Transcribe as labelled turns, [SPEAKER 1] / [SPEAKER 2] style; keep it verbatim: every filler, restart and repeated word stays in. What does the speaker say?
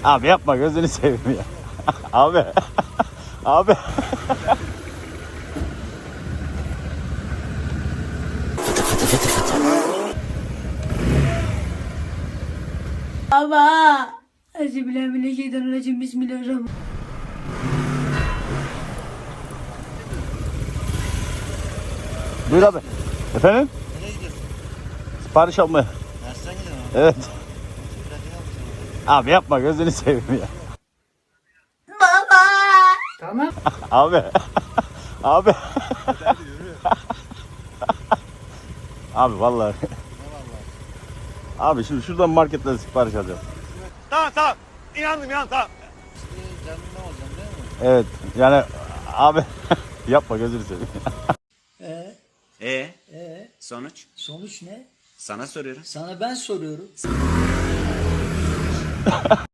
[SPEAKER 1] Abi yapma gözünü seveyim ya. Abi. Abi.
[SPEAKER 2] Baba. Euzubillahimineşşeytanirracim. Bismillahirrahmanirrahim.
[SPEAKER 1] Buyur abi. Efendim?
[SPEAKER 3] Nereye gidiyorsun?
[SPEAKER 1] Sipariş almaya.
[SPEAKER 3] Dersten gidiyorum.
[SPEAKER 1] Evet.
[SPEAKER 3] Bırakın almışım.
[SPEAKER 1] Abi yapma gözünü seveyim ya.
[SPEAKER 2] Baba.
[SPEAKER 4] Tamam.
[SPEAKER 1] Abi. Abi.
[SPEAKER 3] Hadi yürü.
[SPEAKER 1] Abi vallahi.
[SPEAKER 3] Ne vallahi.
[SPEAKER 1] Abi şimdi şuradan marketten sipariş alacağım.
[SPEAKER 5] Tamam tamam. İnandım inandım tamam.
[SPEAKER 3] İşte canım ne olacağım değil mi?
[SPEAKER 1] Evet. Yani abi yapma gözünü seveyim.
[SPEAKER 4] Ee,
[SPEAKER 6] E
[SPEAKER 4] ee,
[SPEAKER 6] sonuç?
[SPEAKER 4] sonuç ne?
[SPEAKER 6] Sana soruyorum.
[SPEAKER 4] Sana ben soruyorum.